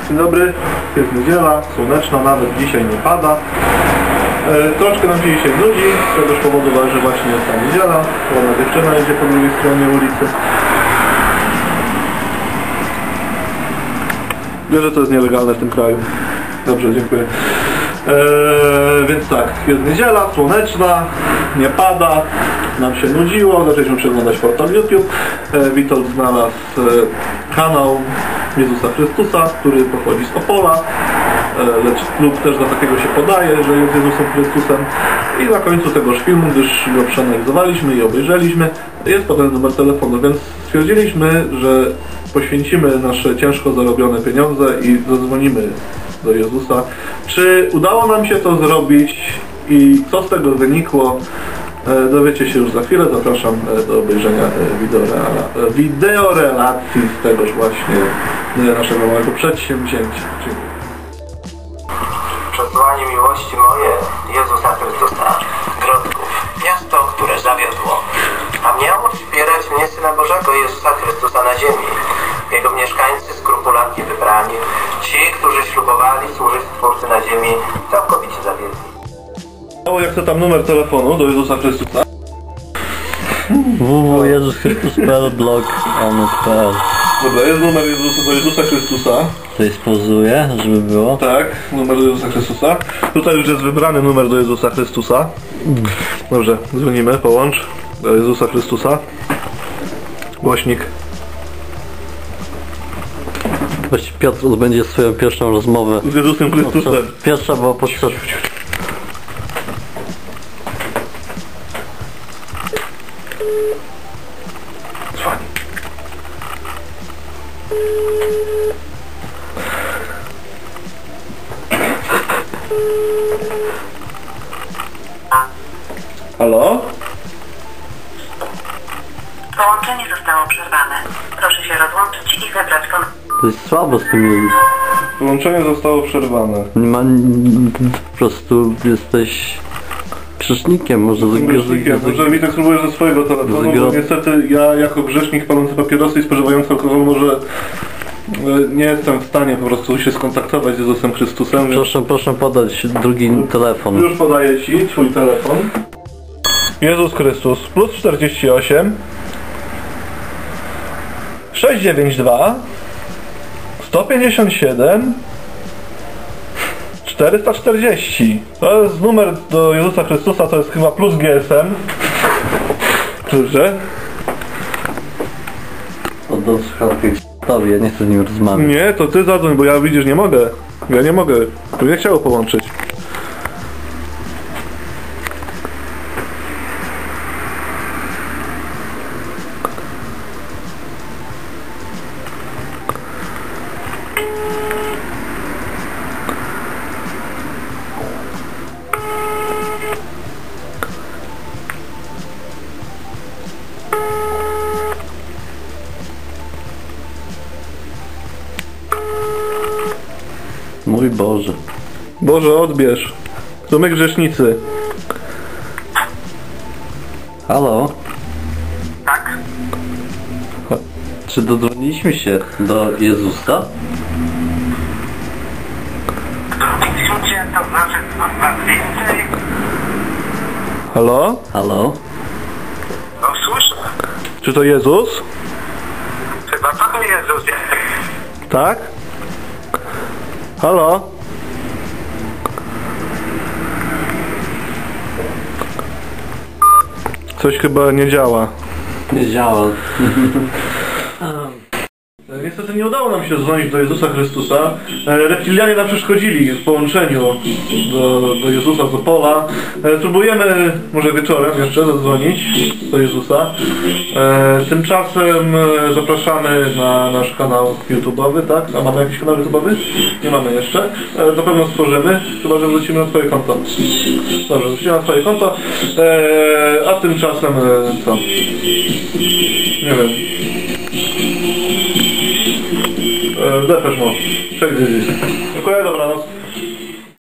Dzień dobry, jest niedziela, słoneczna, nawet dzisiaj nie pada. Troszkę nam się dzisiaj nudzi, z tegoż powodu że właśnie jest ta niedziela. Ładna dziewczyna jedzie po drugiej stronie ulicy. Wiem, że to jest nielegalne w tym kraju. Dobrze, dziękuję. Więc tak, jest niedziela, słoneczna, nie pada, nam się nudziło, zaczęliśmy przeglądać portal YouTube. Witold znalazł kanał Jezusa Chrystusa, który pochodzi z Opola, lub też za takiego się podaje, że jest Jezusem Chrystusem. I na końcu tegoż filmu, gdyż go przeanalizowaliśmy i obejrzeliśmy, jest potem numer telefonu, więc stwierdziliśmy, że poświęcimy nasze ciężko zarobione pieniądze i zadzwonimy do Jezusa. Czy udało nam się to zrobić i co z tego wynikło, dowiecie się już za chwilę. Zapraszam do obejrzenia wideorelacji z tegoż właśnie naszego małego przedsięwzięcia. Dziękuję. Przesłanie miłości moje Jezusa Chrystusa, Grodków, miasto, które zawiodło. A miało wspierać mnie Syna Bożego Jezusa Chrystusa na ziemi. Jego mieszkańcy skrupulatnie wybrani, ci, którzy ślubowali służyć Stwórcy na ziemi, całkowicie zawiedli. Jak to tam numer telefonu do Jezusa Chrystusa? www.jezuschrystus.blog.pl. Dobra, jest numer do Jezusa Chrystusa. Tutaj spozuję, żeby było. Tak, numer do Jezusa Chrystusa. Tutaj już jest wybrany numer do Jezusa Chrystusa. Dobrze, dzwonimy, połącz do Jezusa Chrystusa. Głośnik. Właściwie Piotr odbędzie swoją pierwszą rozmowę Z Jezusem Chrystusem. Pierwsza była podczas... Dzwoni. Halo? Połączenie zostało przerwane. Proszę się rozłączyć i zebrać ponownie. To jest słabo z tym... Połączenie zostało przerwane. Nie ma... Po prostu jesteś... Grzesznikiem, może Grzesznikiem. Może Witek spróbujesz ze swojego telefonu, bo niestety ja jako grzesznik palący papierosy i spożywający alkohol może nie jestem w stanie po prostu się skontaktować z Jezusem Chrystusem. Proszę podać drugi telefon. Już podaję Ci Twój telefon. Jezus Chrystus plus 48 692 157 440. To jest numer do Jezusa Chrystusa, to jest chyba plus GSM. Dobrze? Oddał słuchawkę Tobie, ja nie chcę z nim rozmawiać. Nie, to Ty zadzwoń, bo ja widzisz, nie mogę. Ja nie mogę. Tu nie chciało połączyć. Mój Boże. Boże, odbierz. To my grzesznicy. Halo? Tak? Czy dodzwoniliśmy się do Jezusa? Widzicie, to znaczy was więcej? Halo? Halo? No słyszę. Czy to Jezus? Chyba Pan Jezus jest. Tak? Halo? Coś chyba nie działa. Nie działa. Niestety nie udało nam się dzwonić do Jezusa Chrystusa. Reptilianie nam przeszkodzili w połączeniu do Jezusa z Opola. Próbujemy może wieczorem jeszcze zadzwonić do Jezusa. Tymczasem zapraszamy na nasz kanał YouTube'owy, tak? A mamy jakiś kanał YouTube'owy? Nie mamy jeszcze. Na pewno stworzymy, chyba że wrócimy na Twoje konto. Dobrze, wrócimy na Twoje konto. A tymczasem co? Nie wiem. Depeche Mode. Dziękuję, dobranoc.